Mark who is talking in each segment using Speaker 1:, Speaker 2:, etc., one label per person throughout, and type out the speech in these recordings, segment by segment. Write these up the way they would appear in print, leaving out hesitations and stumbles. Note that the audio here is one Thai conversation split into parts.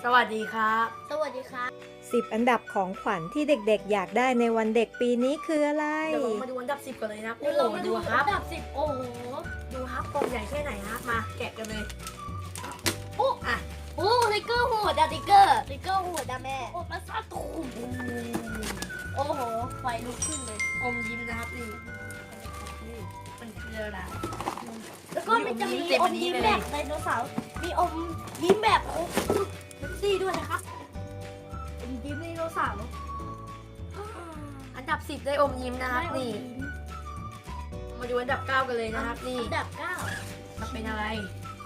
Speaker 1: สวัสดีครับ
Speaker 2: สวัสดีครับ
Speaker 3: 10 อันดับของขวัญที่เด็กๆ อยากได้ในวันเด็กปีนี้คืออะไร
Speaker 1: เดี๋ยวเรามาดูอันดับ 10 กันเลยนะครับ
Speaker 2: เดี๋ยวเรามาดู
Speaker 1: ครั
Speaker 2: อั
Speaker 1: บ
Speaker 2: นดับ10โอ้โห
Speaker 1: ดูครับกล่องใหญ่แค่ไหนนะครับมาแกะกันเลย
Speaker 2: โอ้
Speaker 1: อ่ะ
Speaker 2: โอ้ติ๊กเกอร์โหดอะติ๊กเกอร์โหดอะแม่โอ้มาซาตูมโอ้โหไฟลุกขึ้นเลย
Speaker 1: อมยิ้มนะครับนี่มันคืออะไร
Speaker 2: แล้วก็มันจะมี
Speaker 1: เต็ม
Speaker 2: อ
Speaker 1: อั
Speaker 2: ม
Speaker 1: นนี้
Speaker 2: ยิ้ม
Speaker 1: เลย
Speaker 2: แบบไดโนเสาร์มีอมยิ้มแบบโอ้เซ็กซี่ด้วยนะครับอมยิ้มไดโนเสาร์
Speaker 1: อันดับ 10 ได้อมยิ้มนะครับนี่ มาดูอันดับ 9 กันเลยนะครับนี่
Speaker 2: อันดับ9
Speaker 1: จะเป็นอะไร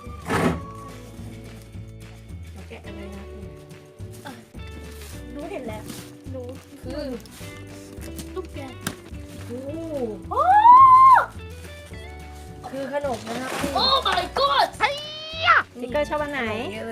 Speaker 1: เราแกะกันเลยนะครับนี่
Speaker 2: หนูเห็นแล้วหนู
Speaker 1: คือ
Speaker 2: ตุ๊กแก
Speaker 1: โอ้
Speaker 2: โอ้
Speaker 1: คือขนมนะครับนี่
Speaker 2: โอ้ my god ไอ้
Speaker 3: ติ๊กเกอร์ชอบอันไหน
Speaker 1: เยอะเลย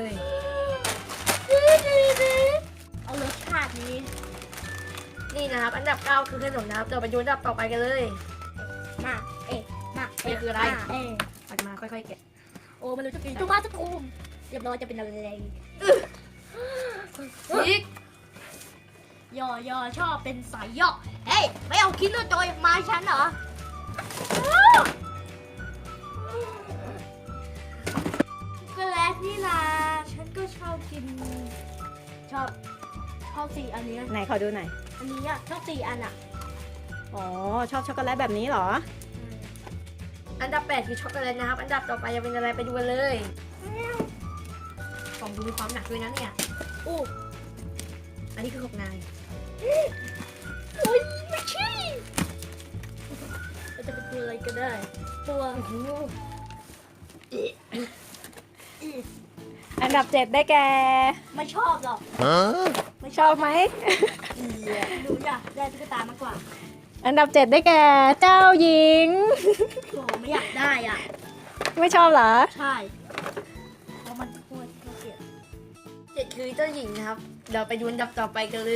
Speaker 2: เอารสชาตินี้
Speaker 1: นี่นะครับอันดับ 9 คือขนมนะครับเดี๋ยวไปดูอันดับต่อไปกันเลย
Speaker 2: มาเอ๊ะมา
Speaker 1: นี่คืออะไร
Speaker 2: เอ๊ะ
Speaker 1: ปัดมาค่อยๆแกะ
Speaker 2: โอ้มันรู้จะกินตัวมาจะทูมเรียบร้อยจะเป็นอะไร
Speaker 1: อีก
Speaker 2: ยอชอบเป็นสายย่อเฮ้ยไม่เอาคิดเรื่องจอยมาฉันเหรอก็แล้วนี่นะฉันก็ชอบกิน ชอบสี่อันเนี้ย
Speaker 3: ไหนขอดูหน่อย
Speaker 2: อันนี้อ่ะชอบสี่อันอ่ะ
Speaker 3: อ๋อ ชอบช็อกโกแลตแบบนี้เหรอ
Speaker 1: อันดับ 8 คือช็อกโกแลตนะครับ อันดับต่อไปจะเป็นอะไรไปดูกันเลยกล่องดูมีความหนักด้วยนะเนี่ย
Speaker 2: อู้
Speaker 1: อันนี้คือของนาย
Speaker 2: โอ้ยไม่ใช่มันจะเป็นตัวอะไรก็ได้ ตัว
Speaker 1: โอ้โห
Speaker 3: อันดับ 7 ได้แก่
Speaker 2: ไม่ชอบหรอก
Speaker 3: ไม่ชอบไหม
Speaker 2: หนูอยากได้ตุ๊กตามากกว่า
Speaker 3: อันดับ 7 ได้แก่เจ้าหญิง
Speaker 2: โอ้ไม่อยากได้อ่ะ
Speaker 3: ไม่ชอบเหรอ
Speaker 2: ใช่เพราะมันโคตรเกลียด
Speaker 1: 7คือเจ้าหญิงนะครับ เดี๋ยวไปดูอันดับต่อไปกันเลย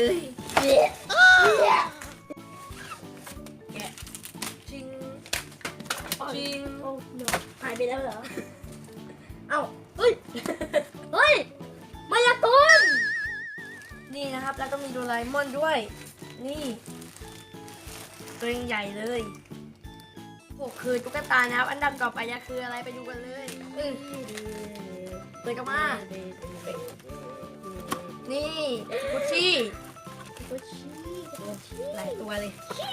Speaker 1: แกะจริงจริง
Speaker 2: โอ้เนอะหายไปแล้วเหรอ เอ้า เฮ้ย เฮ้ย มายากล
Speaker 1: นี่นะครับ แล้วก็มีโดราเอมอนด้วย นี่ตัวยังใหญ่เลย6คือตุ๊กตานะครับ อันดับต่อไปจะคืออะไรไปดูกันเลยเปิดกันมา นี่กุชชี่
Speaker 2: กุชชี่กุชชี่
Speaker 1: หลายตัวเลย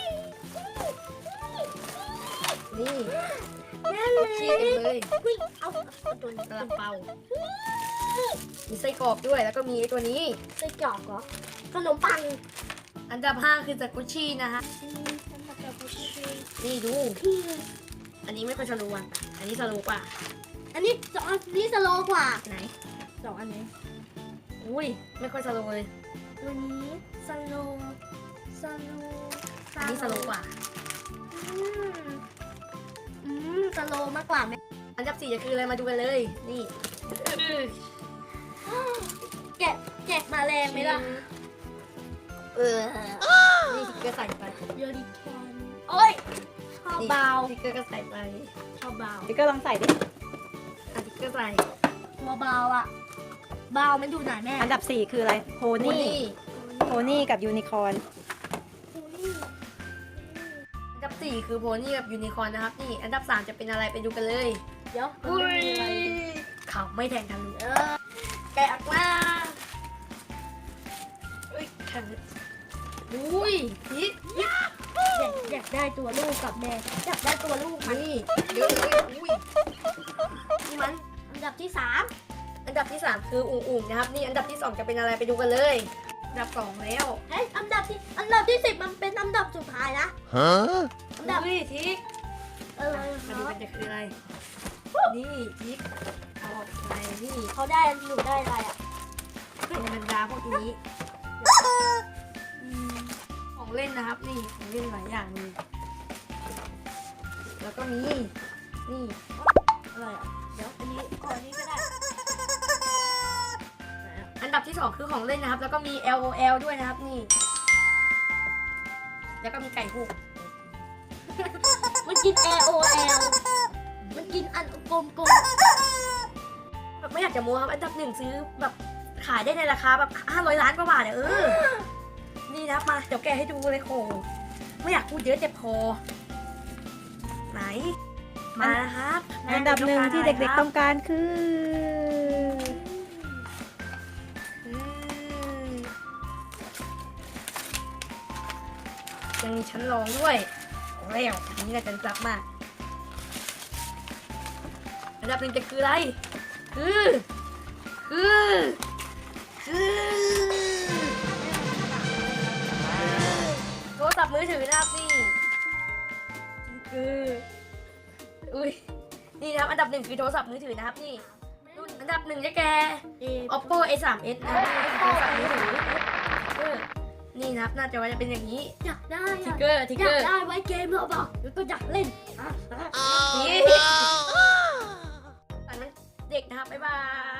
Speaker 1: นี่
Speaker 2: แม่เลย
Speaker 1: ชีสเต็มเลย
Speaker 2: เฮ้ยเอาตัวนี้
Speaker 1: กระเป๋ามีไส้กรอกด้วย แล้วก็มีไอ้ตัวนี้
Speaker 2: ไส้กรอกเหรอ ขนมปัง
Speaker 1: อันดับ 5 คือจากกุชชี่นะฮะ
Speaker 2: ฉันมาจากกุชชี่
Speaker 1: นี่ดู
Speaker 2: คือ
Speaker 1: อันนี้ไม่ค่อยสโลว์อ่ะอันนี้สโลว์กว่า
Speaker 2: อันนี้สองอันนี้สโลว์กว่า
Speaker 1: ไหน
Speaker 2: สองอันนี้
Speaker 1: อุ้ย ไม่ค่อยสโลว์เลย
Speaker 2: ตัวนี้สโลว์สโลว์
Speaker 1: อันนี้สโลว์กว่า
Speaker 2: สโลว์มากกว่าไหม
Speaker 1: อันดับ 4 จะคืออะไรมาดูกันเลย นี่
Speaker 2: แกะมาแรงไหมล่ะ
Speaker 1: นี่ติ๊กเกอร์ใส่ไป
Speaker 2: โยริแคนโอ้ยชอบ
Speaker 1: นี่
Speaker 2: เบา
Speaker 1: ติ๊กเกอร์ก็ใส่ไป
Speaker 2: ชอบเบา
Speaker 3: ติ๊กเกอร์ลองใส่ดิ
Speaker 1: อ่ะติ๊กเกอร์ใส่
Speaker 2: ตัวเบาอ่ะ เบามันดูไหนแม่
Speaker 3: อันดับ 4 คืออะไร โพนี่ โพนี่กับยูนิคอร์น
Speaker 1: อันดับ 4 คือโพนี่กับยูนิคอร์นนะครับ นี่ อันดับ 3 จะเป็นอะไรไปดูกันเลย
Speaker 2: เดี๋ยวมัน
Speaker 1: อุ้
Speaker 2: ไม่
Speaker 1: ย
Speaker 2: มีอะไร
Speaker 1: เขาไม่แทงทะลุ
Speaker 2: แกะออกมา
Speaker 1: อุ้ยแทงอุ้ยพีท
Speaker 2: อยากได้ตัวลูกกับแม่อยากได้ตัวลูกมัน
Speaker 1: นี่เยอะเลยอุ้ยนี่มัน
Speaker 2: อันดับที่
Speaker 1: อันดับที่ 3 คืออุ่งๆนะครับ นี่อันดับที่ 2 จะเป็นอะไรไปดูกันเลย อันดับ 2 แล้ว
Speaker 2: 3เฮ้ยอันดับที่10มันเป็นอันดับสุดท้ายนะ
Speaker 4: Huh?
Speaker 2: อันดับ
Speaker 1: อุ้ยทิก
Speaker 2: เหร
Speaker 1: มาดู
Speaker 2: อ
Speaker 1: กันจะคืออะไร นี่ทิกเอาออกไปนี่
Speaker 2: เขาได้หนูได้อะไรอ่ะ
Speaker 1: เป็นบรรดาพวกนี้ของเล่นนะครับ นี่ของเล่นหลายอย่างเลยแล้วก็มีนี่
Speaker 2: อะไรอ่ะเดี๋ยวอันนี้ก่อนอันนี้ก็ได้
Speaker 1: อันดับที่ 2 คือของเล่นนะครับ แล้วก็มี LOL ด้วยนะครับนี่ แล้วก็มีไก่หูก
Speaker 2: มันกิน AOL มันกินอันกลม
Speaker 1: แบบไม่อยากจะโม้ครับ อันดับ 1 ซื้อแบบขายได้ในราคาแบบ500 ล้านกว่าบาทเนี่ยนี่นะครับมาเดี๋ยวแกะให้ดูเลยโหไม่อยากพูดเยอะเจ็บคอไหนมานะครับ
Speaker 3: อันดับหนึ่งที่เด็กๆต้องการคือ
Speaker 1: ยังมีชั้นรองด้วยแล้วอันนี้ก็จะจับมากอันดับหนึ่งจะคืออะไรคือโทรศัพท์มือถือนะครับนี่คืออุ้ยนี่นะครับอันดับหนึ่งคือโทรศัพท์มือถือนะครับนี่รุ่นอันดับหนึ่งจะแก Oppo A3s นะครับนี่คือโทรศัพท์มือถือนี่นะครับหน้าจอจะเป็นอย่างนี้
Speaker 2: อยากได้
Speaker 1: ทิก
Speaker 2: อะ
Speaker 1: เกอร์
Speaker 2: อยากได้ไว้เกมเราบอกเดี๋ยวก็อยากเล่น
Speaker 1: นี่อันนั้นเด็กนะครับบ๊ายบาย